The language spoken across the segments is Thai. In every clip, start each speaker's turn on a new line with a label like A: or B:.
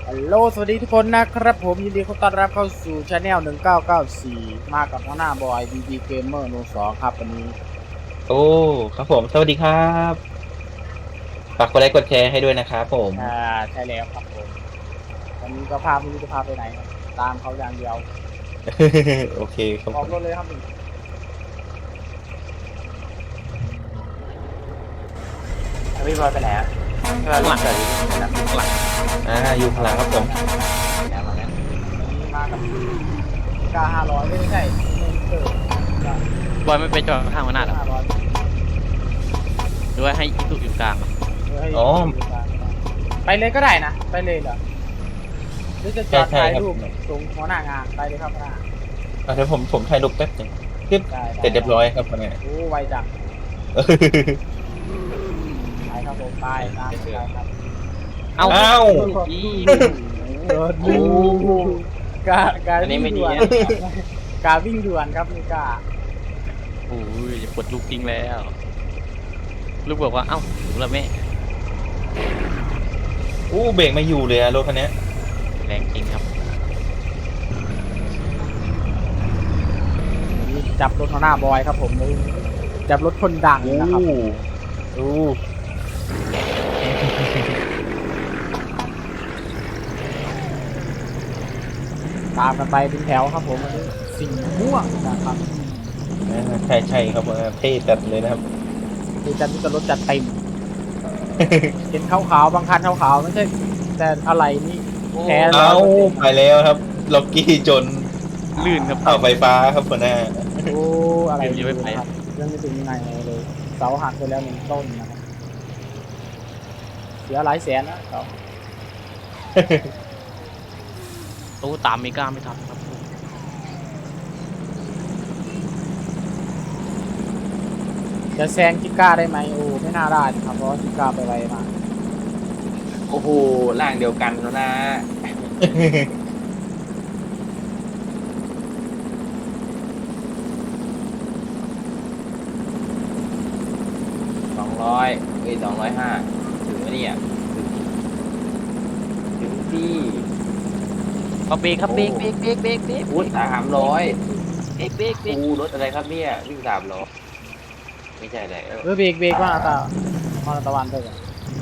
A: ฮัลโหลสวัสดีทุกคนนะครับผมยินดีต้อนรับเข้าสู่ช anel 1994มากับหัวหน้าบอย BB Gamer โน2ครับวันนี้
B: โอ้ครับผมสวัสดีครับฝากกดไลค์กดแชร์ให้ด้วยนะครับผม
A: ใช่แล้วครับผมวันนี้ก็พาไม่รู้จะพาไปไหนครับตามเขาอย่างเดียว
B: โอเคครับ
A: ออก
B: ผม
A: รถเลยครับพี่บอยไปไหนอ่ะก็หลังจากนี้นะหลัง
B: อยู่ข้างหลังครับผม
A: แล้วมาแล้ววันนี้มากับกา500ไม่ใช่เออบ
C: อยไม่ไปจอดข้างหัวหน้าหรอ
A: 500
C: หรือว่าให้อีตุอยู่กลางอะ
B: อ๋อ
A: ไปเลยก็ได้นะไปเลยเหรอหรือจะจอดถ่ายรูป
B: ใช่ครับ
A: ตรงหัวหน้างานไปเลยครับหัวหน้า
B: เดี๋ยวผมถ่ายรูปแป๊บหนึงปึ๊บ
A: ได้
B: เสร็จเรียบร้อยครับเนี่ย
A: โอ้ไวจังไปครับผมไปตามไปครับ
C: เอ้า
B: อ้าว
C: อี
A: โอ้การวิ่งด่วนการวิ่งด่วนครับนี่กา
C: โอ้ยปวดลูกทิ้งแล้ว ลูกบอกว่าเอ้าถึงแล้วแม่
B: อู้เบรกไม่อยู่เลยอะรถคันนี้
C: แรงจริงครับ
A: นี่จับรถหัวหน้าบอยครับผมจับรถคนดังนะครับ
B: อู้
A: ตามกันไปเป็นแถวครับผมวันนี้สีม่วงนะครับ
B: ใช่ครับเท่จัดเลยนะครับ
A: คือจัดรถจัดเต็มเห็นขาวๆบางคันขาวๆไม่ใช่แต่อะไรนี่แท้
B: เอ้าไปแล้วครับล็อกกี้จน
C: ลื่นครับ
B: เสาไฟฟ้าครับหัวหน้า
A: โอ้อะไร
C: ยังไม่ไป
A: ครับยังไม่ถึงไหนเลยเสาหักไปแล้วหนึ่งต้นนะครับเสียหลายแสนนะเสา
C: ตู้ตามไม่กล้าไม่ทันครับ
A: จะแซงจิก้าได้ไหมโอ้ไม่น่าได้นะครับเพราะว่าจิก้าไปไวมาก
D: โอ้โหร่างเดียวกันแล้วนะ200205ถึงไหมเนี่ยถึงที่
C: เอาเบรกครับเบรกเบรกเบรกเบรกเบรก
D: พุทธ300
C: เบรกเบรกเบรก
D: กูรถอะไรครับเนี่ยวิ่ง300ไม่ใช่อะไร
A: เบรกว่าตามาตะวันเถอะ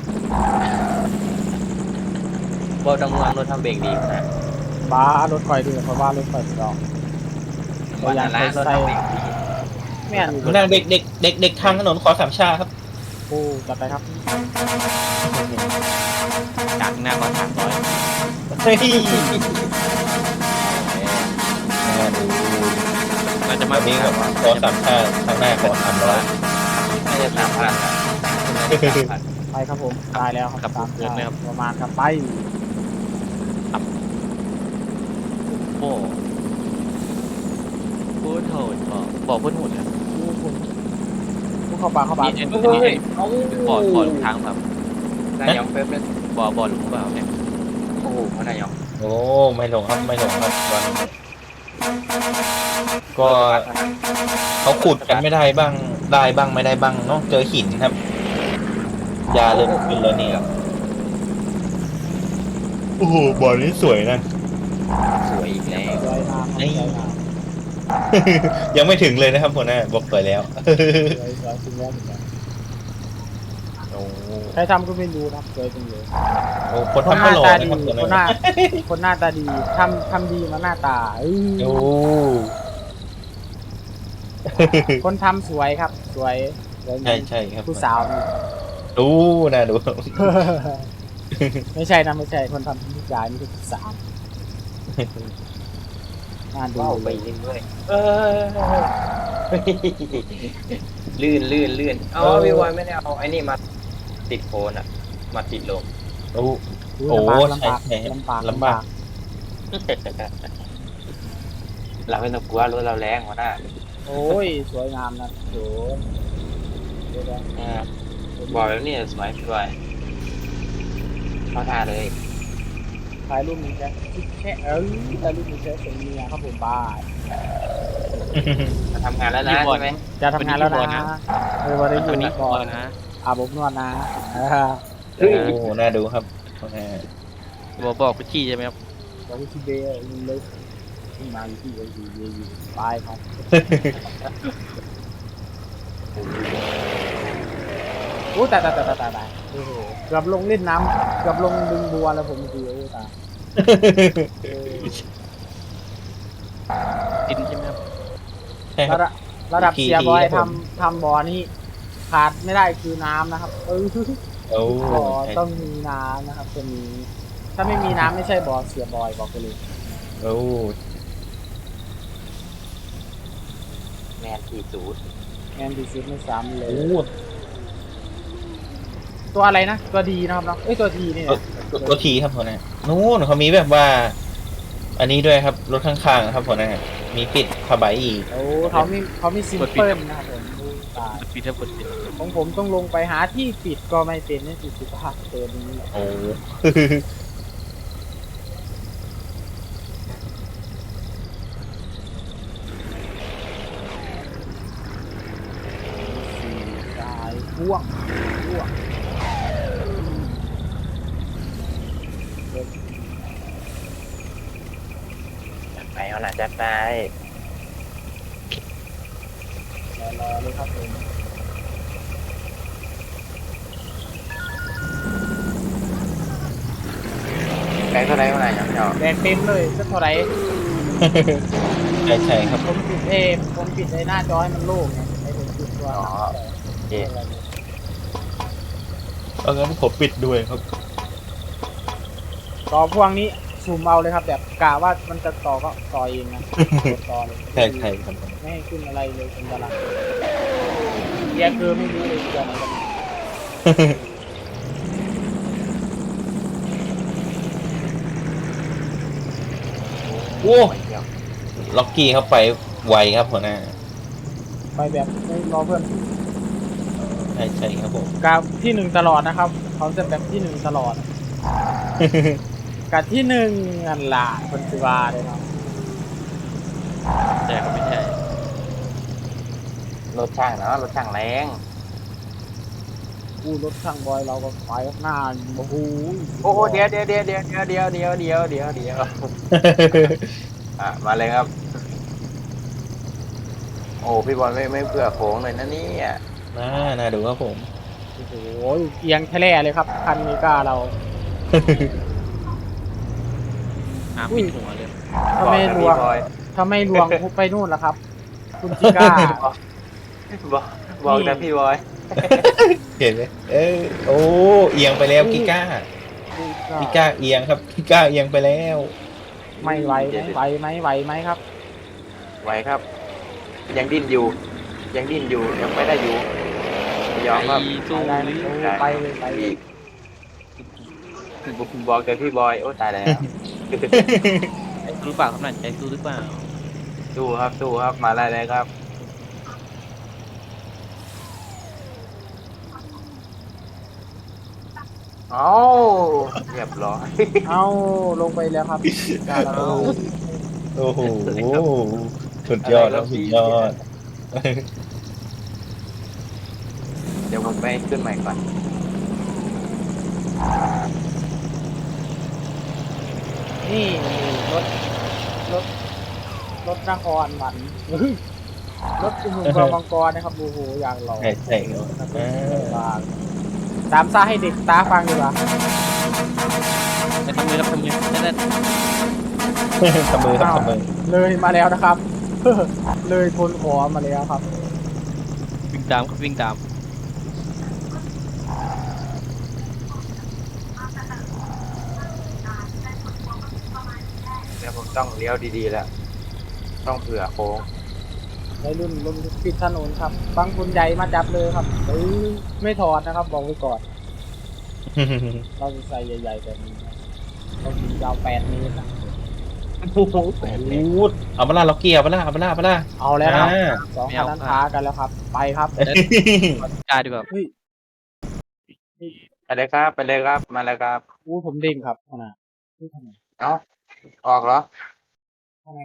D: บอลดังเมืองรถทำเบรกดีนะ
A: บ้ารถไฟดีเพราะว่ารถไฟดอง
D: วันนั้นรถทำเบรกดี
A: แม่น
B: หัวหน้าเด็กทางถนนขอสามชาครับ
A: โอ้จัดไปครับ
C: จากหน้าก่อน300
B: เฮ้ย
C: เราจะ
B: มา
C: มา
B: นี้แบบขอสามชาทางหน้าขอ300
D: น่าจะ3,000นะ3,000
A: ไปครับผมตายแล้วครับตามประมาณครับไป
C: โอ้พูดโหดบอกพูดโหดครับ
A: ผู้เข้าป่าเข้าป่า
C: นี่
D: เฮ้ยเอา
C: บ่อหลุมทางแบบ
D: นายองเป๊ปเลย
C: บ่อหลุมเปล่าเนี่ย
D: โอ้โหนายอง
B: โอ้ไม่หลงครับไม่หลงครับวันนี้ก็เขาขุดกันไม่ได้บ้างได้บ้างไม่ได้บ้างเนาะเจอหินครับยาเริ่มขึ้นแล้วนี่ครับโอ้โหบ่อนี้สวยนะ
D: สวยอีกแล้ว
A: สวยงามสวยงาม
B: ยังไม่ถึงเลยนะครับหัวหน้าบอกสวยแล้ว
A: สวยจริงแล้ว
B: โอ้
A: ใครทำก็ไม่รู้นะสวยจริงเลย
B: โหคนทำก็หล่อนะครับ
A: คนหน้าตาดีทำดีมาหน้าตา
B: โอ้
A: คนทำสวยครับสวย
B: ใช่ครับ
A: ผู้สาวนี่
B: ดูนะดู
A: ไม่ใช่นะไม่ใช่คนทำผู้ชายนี่คือผู้สาวน่าดู
D: ว้าวไปเรื่อยลื่นเอาพี่วอยไม่ได้เอาไอ้นี่มาติดโคนอ่ะมาติดลม
B: โอ้
A: ลำบาก
B: ใช่
A: ลำบาก
D: เราไม่ต้องกลัวรถเราแรงหัวหน้า
A: โอ้ยสวยงามนะโอ้
D: บอกแล้วนี่สวยพี่วอยเข้าท่าเลย
A: ถ่ายรูปนี้แค่ถ่ายรูปนี้แค่เป็นเมียครับผมบ้า
D: มาทำงานแล้วนะใช่ไหม
A: จะทำงานแล้วนะวันนี้อยู่
C: วันนี้
A: ก่อน
C: นะ
A: อาบอบนวดนะ
B: โอ้น่าดูครับ
C: บอกกุชชี่ใช่ไหมครับ
A: บอกว่าที่เบย์เลยขึ้นมาอยู่ที่อยู่ตายครับโอ้ตายโอ้โหเกือบลงเล่นน้ำเกือบลงดึงบัวแล้วผมเมื่อกี้โอ้ตายเออ
C: ดินใช่ไหมครับ
B: ใช่ค
A: ระ
B: รับ
A: ดับระดับ
B: ที
A: เสียบอย
B: ครับผม
A: ทำบ่อนี่ขาดไม่ได้คือน้ำนะครับ
B: โอ้
A: บ่อ
B: ใช่
A: ต้องมีน้ำนะครับตัวนี้ถ้าไม่มีน้ำไม่ใช่บ่อเสียบอยบอกไปเลย
B: โอ้
D: แมนที่สูด
A: แอนดีซิสไม่ซ้ำเลย
B: โอ้
A: ตัวอะไรนะตัวดีนะครับเนาะเอ้ยตัวทีนี่นะ
B: ตัวทีครับหัวหน้านู้นเขามีแบบว่า อันนี้ด้วยครับรถข้างๆครับหัวหน้ามีปิดผ้าใบอีก
A: โอ้เขามีซิมเปิลนะครับผมโอ้ตาย
C: ปิดถ้ากดปิด
A: ของผมต้องลงไปหาที่ปิดก็ไม่เป็นนี่ติดสุขภาพตัวนี้
B: โอ้
A: ตายพ่วง
D: จัดไปเอาหน่ะจัดไป
A: รอเลยครับผม
D: แบงค์เท่าไหร่เอาหน่ะยังไม่ออก
A: แบกเต็มเลยจะเท่าไหร่
B: ใช่ครับ
A: ผมปิดไอ้หน้าจอให้มันโล่งไงไอ้ผมปิดตัว
D: อ๋อโอเค
B: เอางั้นผมปิดด้วยครับ
A: ต่อพ่วงนี้ซูมเอาเลยครับ แบบกะว่ามันจะต่อก็ต่อเองนะกดต่อเลย
B: ใช่ใช่ครับ
A: ไม่ให้ขึ้นอะไรเลยเป็นตารางเกียร์คือไม่รู้เลยเกียร์ไหนกัน
B: โอ้
D: ไปเที่ยว
B: ล็อกกี้เข้าไปไวครับหัวหน้า
A: ไปแบบไม่รอเพื่อน
B: ใช่ใช่ครับผม
A: กาที่หนึ่งตลอดนะครับเขาจะแบบที่หนึ่งตลอดกับที่หนึ่งอันละคนสิวาเลยเนาะ
C: แต่ก็ไม่ใช่
D: รถช่างเนาะรถช่างแรง
A: กู้รถช่างบอยเราก็ไปข้างหน้าโอ้โห
D: โอ้โหเดี๋ยวมาเลยครับ โอ้พี่บอลไม่เผื่อโค้งเลยนะเนี่ย
B: น่าดูครับผม
A: โอ้โหเอียงแท้ๆเลยครับคันนี้ก้าเรา
C: น้ำปิดหัวเลย
A: ถ้าไม่ลวง
D: บอย
A: ถ้าไม่ลวงพุบไปนู่นแล้วครับ คุณจิก้า
D: บอกแต่พี่บอย
B: เห็นไหมโอ้เอียงไปแล้วกิก้ากิก้าเอียงครับกิก้าเอียงไปแล้ว
A: ไม่ไหวไหมครับ
D: ไหวครับ ยังดิ้นอยู่ ยังไม่ได้อยู่ยอมครับ
C: สู้
A: ได้
C: หรือ
A: ไปเลยไปเลย
D: บอกแต่พี่บอยโอ้ตายแล้ว
C: ใจสู้หรือเปล่าครับนั่นใจสู้หรือเปล่า
D: สู้ครับมาได้เลยครับเอ้าเรียบร้อย
A: เอาลงไปแล้วครับก้าเรา
B: โอ้โหสุดยอดครับสุดยอด
D: เดี๋ยวผมไปขึ้นใหม่ก่อน
A: นี่รถรถนครหมันรถหุ่นกองมังกรนะครับโอ้โหอย่างหล่อ
B: ใช่ใช่ครับ
A: ตามซาให้เด็กตาฟังดีกว่า
C: แต่ทำมือแล้วทำมือนั่น
B: ทำมือครับทำมือ
A: เลยมาแล้วนะครับ เลยคนขอมาแล้วครับ
C: วิ่งตามครับวิ่งตาม
D: เดี๋ยวผมต้องเลี้ยวดีๆแล้ว ต้องเผื่อโค้ง
A: ในรุ่นลมปิดถนนครับบางคนใหญ่มาจับเลยครับไม่ถอดนะครับ บอกไว้ก่อน เราจะใส่ใหญ่ๆแบบนี้นะเราถึงยาว8 เมตรนะ
B: พูดเอามาล่าล็อกกี้เอามาล่า
A: เอาแล้วครับสองคันนั้นท้ากันแล้วครับ ไปครับ
C: กล้าดีกว่า
A: เฮ้ย
D: ไปเลยครับ มาแล้วครับ
A: อู้ผมเด้งครับขนาดนี่ทำไม
D: เอ้า ออกเหรอ
A: ข้างใน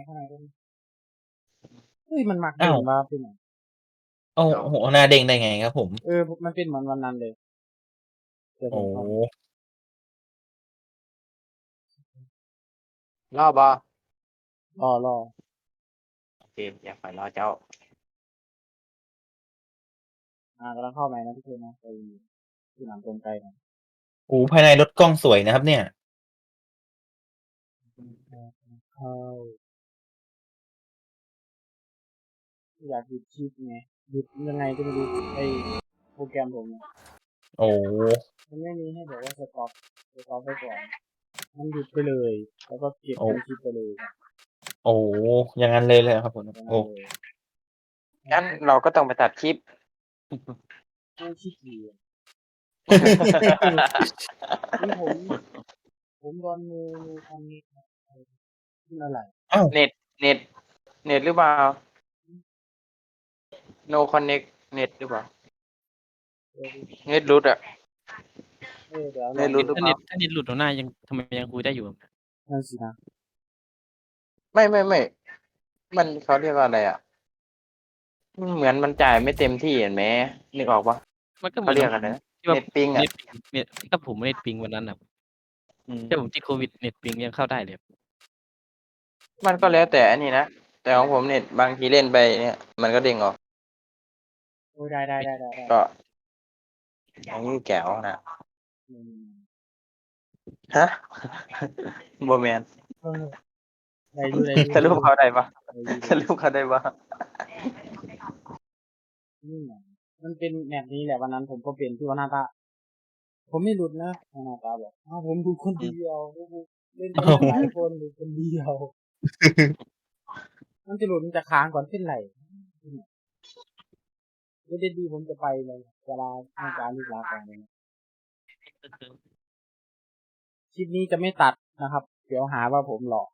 A: เฮ้ยมันมักเด้งมาเป็นไง
B: โอ้โหหน้าเด้งได้ไงครับผม
A: มันเป็นเหมือนวันนั้นเลยเดี๋ยวผ
B: โอ้
A: มเข้า
D: รอบอ
A: รอ
D: โอเคอย่าไปรอเจ้า
A: กำลังเข้าใหม่นะทุกคนนะไปที่หนังกลไกนะ
B: โอ้ภายในรถกล้องสวยนะครับเนี่ย
A: เข้าอยากหยุดคลิปไงหยุดยังไงก็ไม่รู้ไอโปรแกรมผมเนี่ย
B: โอ้
A: มันไม่มีให้แบบว่าสต็อปไปก่อนมันหยุดไปเลย แล้วก็เก็บเป็นคลิปไปเลย
B: โอ้อย่างนั้นเลยครับผม
A: อย่าง
B: โอ้
A: นั้นเลย
D: งั้นเราก็ต้องไปตัดคลิป
A: ไม่ขี้เกียจนี่ผมโดนมือทำนี่ขึ้นอะไร
B: อ้าว
D: เน็ตหรือเปล่า no connect เน็ตหรือเปล่า เน็ตรุดอ่ะ
A: เดี๋ยวล
D: ไม่
A: อง
D: รู้
A: ดู
C: ถ้าเน็ตหลุดหัวหน้ายังทำไมยังคุยได้อยู่
A: นั่นสินะ
D: ไม่ มันเขาเรียกว่าอะไรอ่ะ เหมือนมันจ่ายไม่เต็มที่เห็นไหมนึกออกปะ
C: มันก็เหมื
D: เขา
C: อน
D: เรียกอะไรนะ
C: ที่ว่า
D: เน็ตปิงอ่ะ
C: เน็ตถ้าผมเน็ตปิงวันนั้นนะถ้าผมติดโควิดเน็ตปิงยังเข้าได้เลย
D: มันก็แล้วแต่อันนี้นะ แต่ของผมเน็ตบางทีเล่นไปเนี่ย มันก็เด้งออก
A: โอ้ยได้
D: ก็อันนี้แก้วนะ
A: อืม
D: ฮะ โบแมน
A: ได้ดู
D: สรุปเขาได้ปะ
A: ได้ดู
D: สรุปเขาได้ปะ
A: นี่ไงมันเป็นแบบนี้แหละวันนั้นผมก็เป็นที่ว่าหน้าตาผมไม่หลุดนะหน้าตาบอกผมดูคนเดียวเล่นกันหลายคนดูคนเดียว มันจะหลุดมันจะค้างก่อนขึ้นไหลไม่ได้ดีผมจะไปเลยเวลาให้การลูกลาก่อนเลยคลิปนี้จะไม่ตัดนะครับ เดี๋ยวหาว่าผมหลอก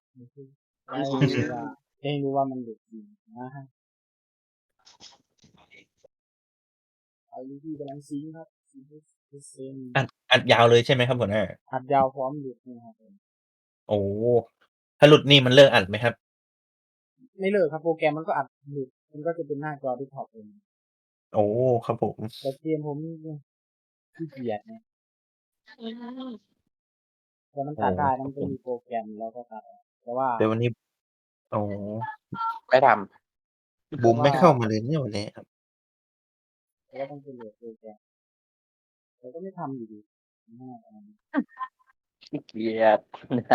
A: ให้รู้ว่ามันหลุดจริงนะฮะเอาที่กำลังซิงครับเซน
B: อัดยาวเลยใช่ไหมครับหัวหน้า
A: อัดยาวพร้อมหลุดนะครับ
B: โอ้ถ้าหลุดนี่มันเลิกอัดไหมครับ
A: ไม่เลิกครับโปรแกรมมันก็อัดหลุดมันก็จะเป็นหน้าจอที่ท็อปเอง
B: โอ้ครับผม
A: แต่เกมผมขี้เกียจเนี่ยแต่มันตัดได้มันก็มีโปรแกรมแล้วก็ตัดแต่ว่า
B: เดี๋ยววันนี้ โอ้
D: ไม่ท
B: บูมไม่เข้ามาเลยเนี่ยวันนี้ครับ
A: แล้วต้องเป็นโหลดโปรแกรมแต่ก็ไม่ทำอยู่ดี
D: ำขี้เกียจ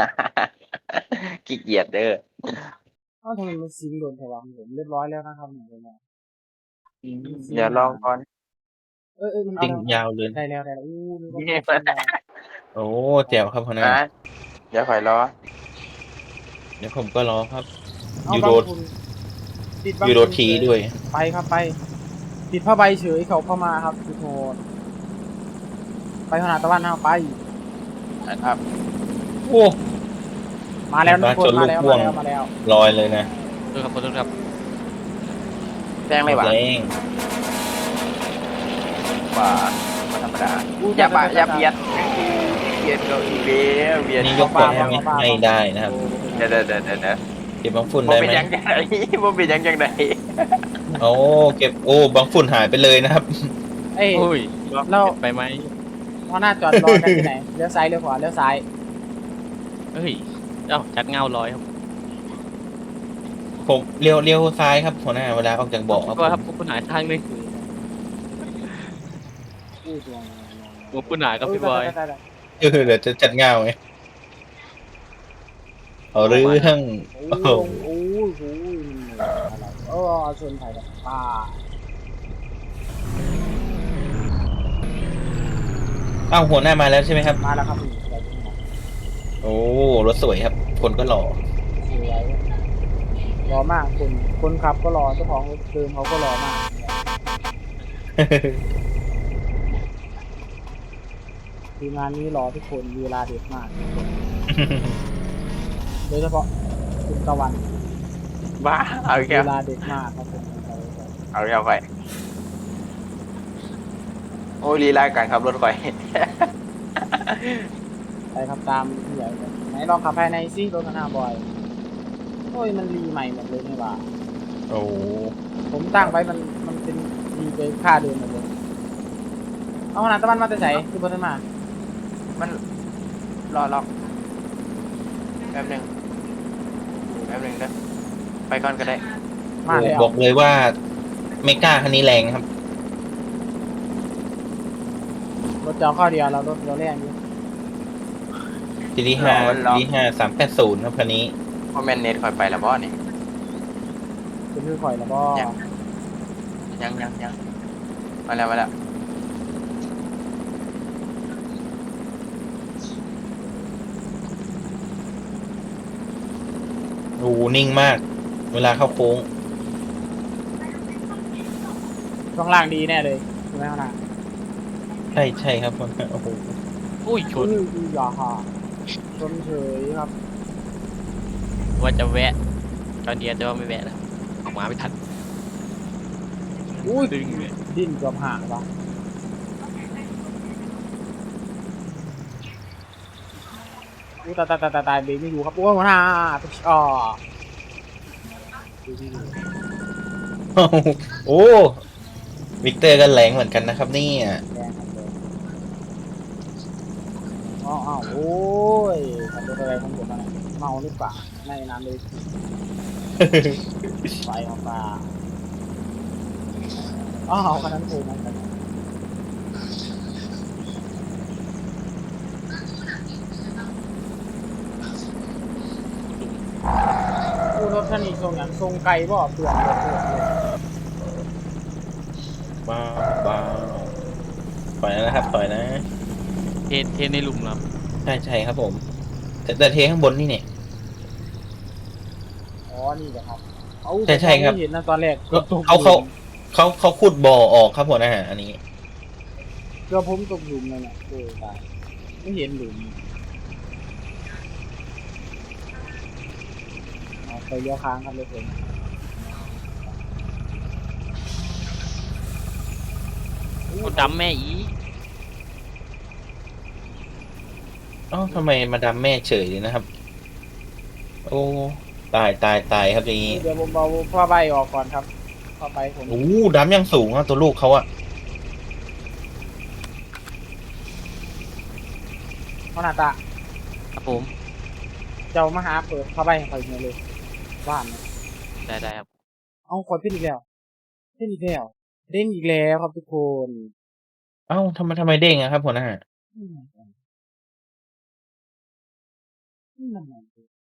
D: ขี้เกียจเด้อ
A: ทำไมมันซิงโดนแถวผมเรียบร้อยแล้วนะครับเนี่ย
D: เดี๋ยวลองก่อน
A: มัน
B: จริงยาวเลย
A: ได้แล้วนี่ก็
B: โอ้แจ๋วครับหัวหน้า
D: นะเดี๋ยวคอยรอ
B: เดี๋ยวผมก็รอครับ
A: เอา
B: ยู
A: บา
B: โร
A: งคุณติดบาง
B: ยูโร
A: คุณ
B: ทีด้วย
A: ไปครับไปติดผ้าใบเฉยเขาเข้ามาครับทุกคนไปขนาดตะวันเอาไป
D: นะครับ
B: โอ้
A: มาแล้วทุกคนมาแล้ว
B: ชนลูกพ่วง
A: มาแล้ว
B: ลอยเลยนะ
C: ขอโทษครับ
D: แจ้งเลยว่ะ
B: แรง
D: ว่าธรรมดาอย่าเบียดเบียดเราอีเบียเบียด
B: นี่ยกคนให้ไม่ได้นะครับ
D: เดี๋ยว
B: เก็บบางฝุ่น
D: บ่
B: ได้
D: เป็น
B: ไหม
D: ยังจังไดบ่เป็นยังจังได
B: โอ้เก็บโอ้บางฝุ่นหายไปเลยนะครับ
A: เอ้ย
C: โอ้ย
A: เรา
C: ไปไหม
A: พอหน้าจอดรอกันที่ไหนเลี้ยวซ้ายเลี้ยวขวาเลี้ยวซ้าย
C: เฮ้ยชัดเงาลอยครับ
B: ผมเลี้ยวซ้ายครับหัวหน้าเวลาออกจากบ่อครับ
C: ก็ครับคุณหายทางนึง
A: อู้ตัว
C: ผมคุณหายครับพี่บอย
B: เดี๋ยวจะจัดเงาไงเอาเรื่อง
A: โอ้โหโอ้โหชนไผ่กับป้า
B: อ้าวหัวหน้ามาแล้วใช่ไหมครับ
A: มาแล้วครับ
B: โอ้รถสวยครับ คนก็หล่อ
A: สวยรอมากคนขับก็รอเจ้าของรถเดิมเขาก็รอมากทีมงานนี้รอทุกคนเวลาเด็ดมากโดยเฉพาะคุณตะวัน
D: บ้าเอาอีก
A: เว
D: แล้ว
A: ลาเด็ดมากครับผม
D: เอาอีกแล้วไปโอ้ยลีลาการขับรถข่อย
A: ไปครับตามที่ใหญ่ไหนลองขับภายในซิรถคันหน้าบอยโอ้ยมันรีใหม่หมดเลยนี่หว่า
B: โอ้
A: ผมตั้งไว้มันเป็นรีไปค่าเดิมหมดเลยเอาขนาดตะวันมาแต่ไหนคือบนนั้นมา
D: มันรอล็อกแป๊บนึงแป๊บนึงนะไปก่อนก็ได้
A: มาแล้ว
B: บอกเลยว่าไม่กล้าคันนี้แรงครับ
A: รถเจ้าข้อเดียวแล้วรถเราแรงอยู่
B: GT5
D: รอ
B: GT5 380ครับคันนี้
D: เพราะแมนเน็ตคอยไปแล้วบ่นี่
A: เป็นมือข่อยแล้วก็
D: ยังมาแล้ว
B: โอ้โหนิ่งมาก เวลาเข้าโค้ง
A: ช่วงล่างดีแน่เลยใช่ไหมข้างหน้า
B: ใช่ครับโอ้โห
C: อุ้ยชน
A: ดีอย่าค่ะชนเฉยครับ
C: ว่าจะแวะตอนเดียวแต่ว่าไม่แวะแล้วออกมาไม่ทัน
A: อุ้ย
C: ดึงเลย
A: ดิ้นเกือบห่างวะอู้ตายเบรกไม่อยู่ครับโอ้ยหัวหน้าตุ๊กอ๋อดูที่ดู
B: โอ้วิกเตอร์ก็แรงเหมือนกันนะครับเนี่ย
A: แรงครับเลยอ้าวโอ้ยทำอะไรของผมอะไรเมาหรือเปล่าไม่นานเลยไฟของปลาอ้าวคันนั้นโผล่มากันอู้รถคันนี้ทรงอย่างทรงไกลบ่เปลือกเลย
B: ว้าวว้าวถอยนะครับถอยนะ
C: เทในหลุมแล้ว
B: ใช่ครับผม แต่เทข้างบนนี่เนี่ย
A: อ๋อนี่แหละครับเอา
B: ใช่ครับ
A: ไม่เห็นนะตอนแรก
B: เขาขุดบ่อออกครับหัวหน้าอันนี้
A: เกือบผมตกหลุมเลยเนี่ยโอ้ตายไม่เห็นหลุมเอาไปเลี้ยวค้างครับเลยผม
C: คนดำแม่อี
B: เอ้าทำไมมาดามแม่เฉยเลยนะครับ โอ้ตายครับอย่างนี้
A: เดี๋ยวผมเอาผ้าใบออกก่อนครับผ้าใบผม
B: โอ้ดามยังสูงอ่ะตัวลูกเขาอ่ะ
A: เขาหน้าตา
C: ครับผม
A: เจ้ามาหาเปิดผ้าใบให้คอยเลยบ้านเนี่ย
C: ได้ครับ
A: เอาคอยขึ้นอีกแล้วขึ้นอีกแล้วเด้งอีกแล้วครับทุกคน
B: เอ้าทำไมเด้งอะครับหัวหน้า
A: นั่นไง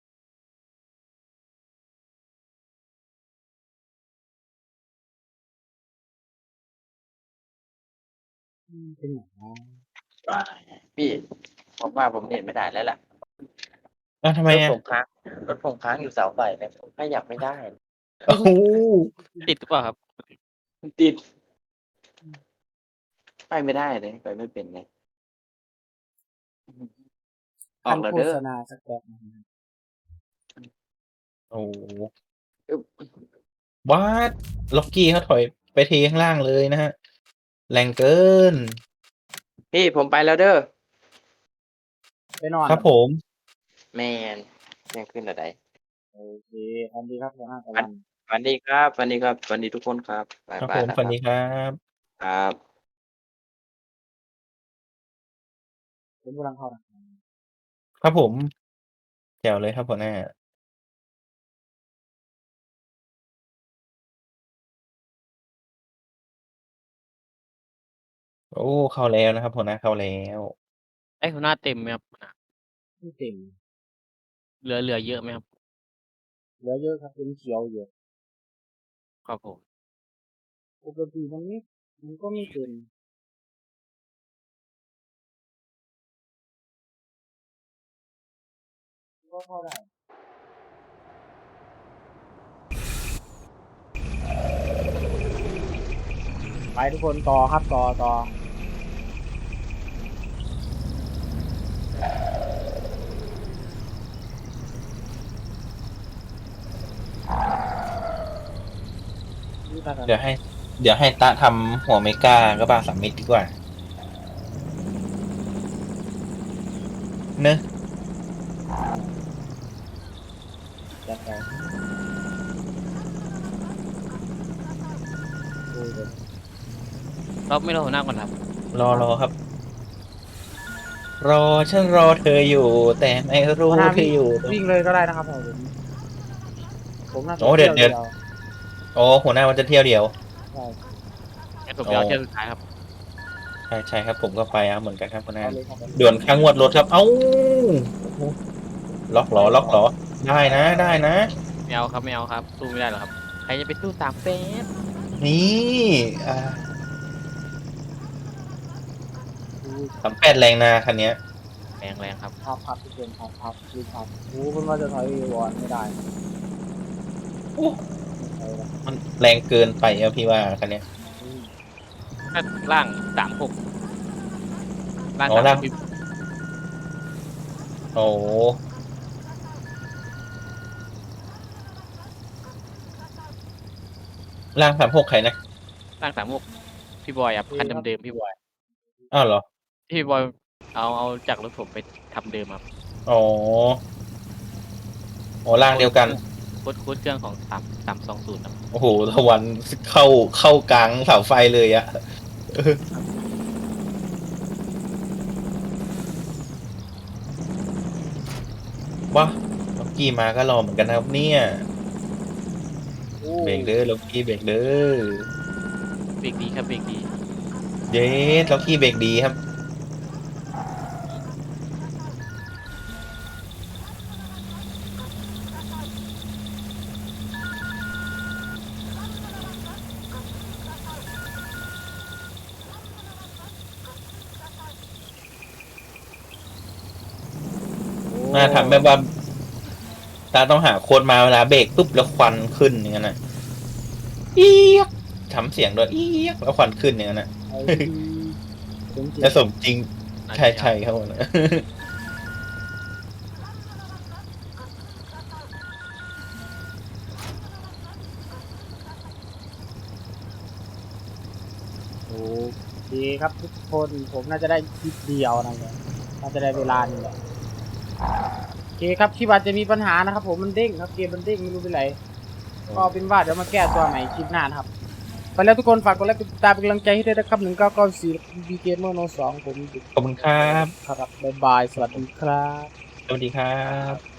A: เป็นอย่างไร
D: พี่ผมว่าผมเน็ตไม่ได้แล้วล่ะ
B: อ้าวทำไม
D: รถ
B: อะ
D: ผมค้างรถผมค้างอยู่เสาไฟเนี่ยผมขยับไม่ได้
B: โอ้โห
C: ติดหรือเปล่าครับ
D: มันติดไปไม่ได้เลยไปไม่เป็นไงออกแล้ว
A: โฆ
D: เด้อ
A: ษณาสักแป๊บนึงนะ
B: โอ้โห
D: อึ๊บ
B: วัดล็อกกี้เขาถอยไปเทข้างล่างเลยนะฮะ แรงเกิน
D: พี่ผมไปแล้วเด้อ
A: ไปนอน
B: ครับผม
D: แมนยังขึ้นอะไร
A: โอเคทำดีครับหัวหน้าตะวัน
D: สวัสดีครับสวัสดีครับสวัสดีทุกคนครับบ๊าย
B: ครับ
D: บา
B: ผ
D: ย
B: ม
D: นะ
B: สวัสดีครับ
D: ครับ
A: ผมกำลังเข้านะ
B: ครับผมแจ๋วเลยครับหัวหน้า โอ้เข้าแล้วนะครับหัวหน้าเข้าแล้ว
C: ไอ้หัวหน้าเต็มไหมครับหัวหน้า
A: ไม่เต็ม
C: เหลือเยอะไหมครับ
A: เหลือเยอะครับเป็นเขียวอยู่
C: ครับผม
A: ปกติมันก็ไม่เต็มก็เข้าได้ไปทุกคนต่อครับต่อนี่ตา
B: เดี๋ยวให้ตะทำหัวเมกาก็บา3 เม็ดดีกว่า เนอะ
A: จัดไปดูเลย
C: เราไม่รอหัวหน้าก่อนครับ
B: รอครับ ฉันรอเธออยู่ แต่ไม่รู้
A: หัวหน้า
B: เธออยู่
A: วิ่งเลยก็ได้นะครับผมผมน่าจะ
B: โอ้เดี๋ยว
A: เที่ยว
B: โอ้หัวหน้ามันจะเที่ยวเดียว
A: ใช่
C: งั้นผมจะเอาเที่ยวสุดท้ายครับ
B: ใช่ครับผมก็ไปเหมือนกันครับหัวหน้า
A: เอาเลยครับ
B: ด่วนค่างวดรถครับเอ้าล็อกล้อล็อกล้อได้นะได้นะ
C: ไม่เอาครับไม่เอาครับสู้ไม่ได้หรอกครับใครจะไปสู้3 เฟส
B: นี่อ่า
A: อู้
B: 38แรงนาคันเนี้ย
C: แรงครับ
A: พับทุกคนพับดูพับโอ้คุณว่าจะถอยวอนไม่ได้ครับ
B: โอ้
A: ไม่ใช่ละ
B: มันแรงเกินไปอะพี่ว่าคันเนี้ย
A: อืม
C: ถ้าล่าง36ล่าง
B: อ๋อล่าง
C: 36พี่
B: โอ้ล่าง36ใครนะ
C: ล่าง36พี่บอยครับคันเดิมๆพี่บอย
B: อ้าวเหรอ
C: พี่บอยเอาจากรถผมไปทำเดิมครับ
B: อ๋ออ๋อล่างเดียวกัน
C: โค้ดเครื่องของ320ครับ
B: โอ้โหตะวันเข้ากลางเสาไฟเลยอะว้าล็อกกี้มาก็รอเหมือนกันนะครับเนี่ย
A: โอ้
B: เบรกเด้อล็อกกี้เบรกเด้อ
C: เบรกดีครับเบรกดี
B: เย้ล็อกกี้เบรกดีครับ น่าทำแบบว่าตาต้องหาโค้ดมาเวลาเบรกปุ๊บแล้วควันขึ้นอย่างนั้นนะเอียกทำเสียงด้วยเอียกแล้วควันขึ้นอย่างนั้นนะ
A: ไอ้จริง
B: จะสมจริงใช่ใช่ครับผมนะ
A: โอเคครับทุกคนผมน่าจะได้คลิปเดียวนะเนี่ยน่าจะได้เวลานี่แหละโอเคครับที่ว่าจะมีปัญหานะครับ ผมมันเด้งครับเกมมันเด้งไม่รู้เป็นไรก็เป็นว่าเดี๋ยวมาแก้ตัวใหม่คลิปหน้านะครับไปแล้วทุกคนฝากกดไลค์กดติดตามเป็นกำลังใจให้ด้วยนะครับ1994 BG Gamer No 2ผม
B: ขอบคุณครับ
A: ครับบ๊ายบายสวัสดีครับ
B: สวัสดีครับ